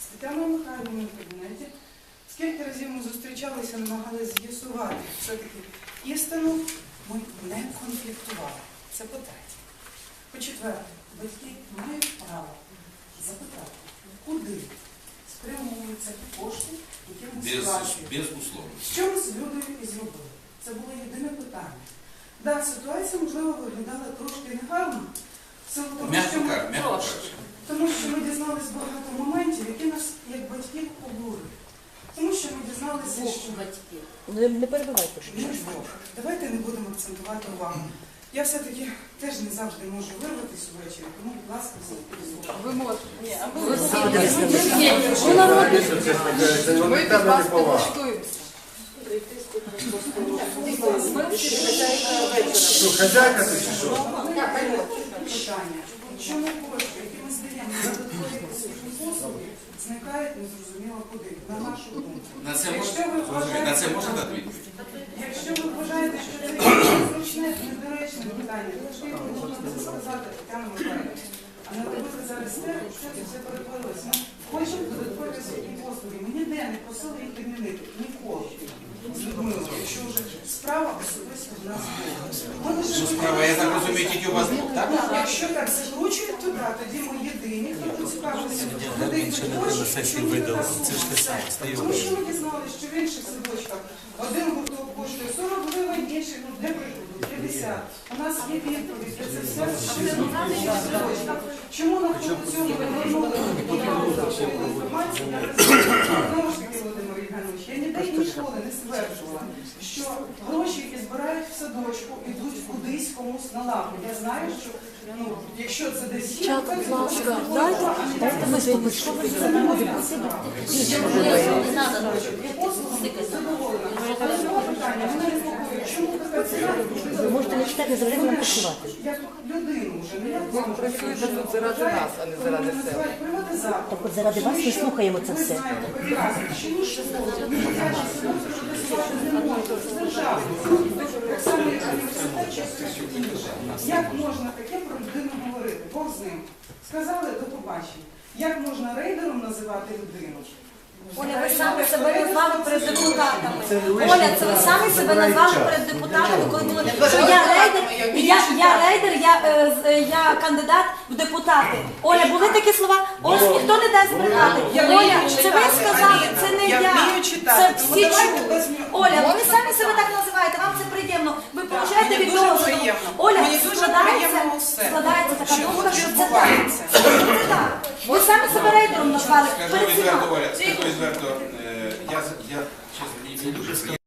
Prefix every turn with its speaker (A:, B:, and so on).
A: Тетяною Михайлівною в кабінеті. Скільки разів ми зустрічалися, намагалися з'ясувати все-таки істину, ми не конфліктували. Це по-третє. По-четверте, батьки мають право запитати, куди спрямовуються кошти, які ми сплачуємо.
B: Безусловно.
A: Що ми з Людою і зробили? Це було єдине питання. Так, ситуація, можливо, виглядала трошки негарно, тому що ми дізналися багато моментів, які нас, як батьків, обурили. Тому що ми дізналися, що...
C: Не перебивайте.
A: Давайте не будемо акцентувати увагу. Я все-таки теж не завжди можу вирватися ввечері, тому, будь ласка, послухайте.
D: Ви можете.
E: Ми від вас не влаштуємося. Що, хазяйка ти чи що?
A: Питання. Якщо не кошти, які ми здаємо на додаткові послуги, зникають незрозуміло куди, на нашу думку.
B: На це можна дати відповідь?
A: Якщо ви вважаєте, що це незручне, недоречне питання, то ж ви можна це сказати, Тетяна Михайлівна. А не робити зараз те, що це все перетворилося. Ми хочемо додаткові освітні послуги. Ми ніде не просили їх відмінити. Ніколи. З Людмилою, якщо вже справа особисто в нас була.
B: Що справа, я так розумію, тільки у вас двох, так?
A: Якщо так закручують, то так, тоді ми єдині, хто поцікавився, куди йдуть гроші, чому не так сума. Тому що ми дізналися, що в інших садочках один гурток коштує 40 гривень, інший, для прикладу, 50. У нас є відповідь, де це все садочках. Чому на цьому не повернули інформацію? Я знову ж таки, Володимир Євгенович, я ніде і ніколи не стверджувала, що гроші, які збирають в садочку, йдуть кудись комусь на лавку. Я знаю, що якщо це десь є, то це послуги задоволена. Але цього питання мене непокоїть. Чому така ціна?
C: Ви можете не читати, завжди нам працювати.
A: Як людину вже, не як
D: Ви працюєте тут заради нас, а не заради себе.
A: приватизатор.
C: Так от заради вас ми слухаємо це
A: Ви
C: все.
A: знаєте прекрасно, що ні школи, ні дитячі садочки приватизувати не можна. Це держава. Так само, як університет чи все інше. Як можна таке про людину говорити? Бог з ним. Сказали до побачення. Як можна рейдером називати людину?
F: Оля, ви самі себе назвали перед депутатами. Оля, це ви самі себе назвали перед депутатами, коли було, що я рейдер, я кандидат в депутати. Оля, були такі слова? Ось ніхто не дасть збрехати. Оля, це ви сказали, це не я. Це всі чули. Оля, ви самі себе так називаєте, вам це приємно. Ви получаєте від того. Оля, складається така думка, що це так. Це так. Ви самі себе рейдером назвали.
B: Скажу відверто, Оля, скажу відверто, я чесно, не дуже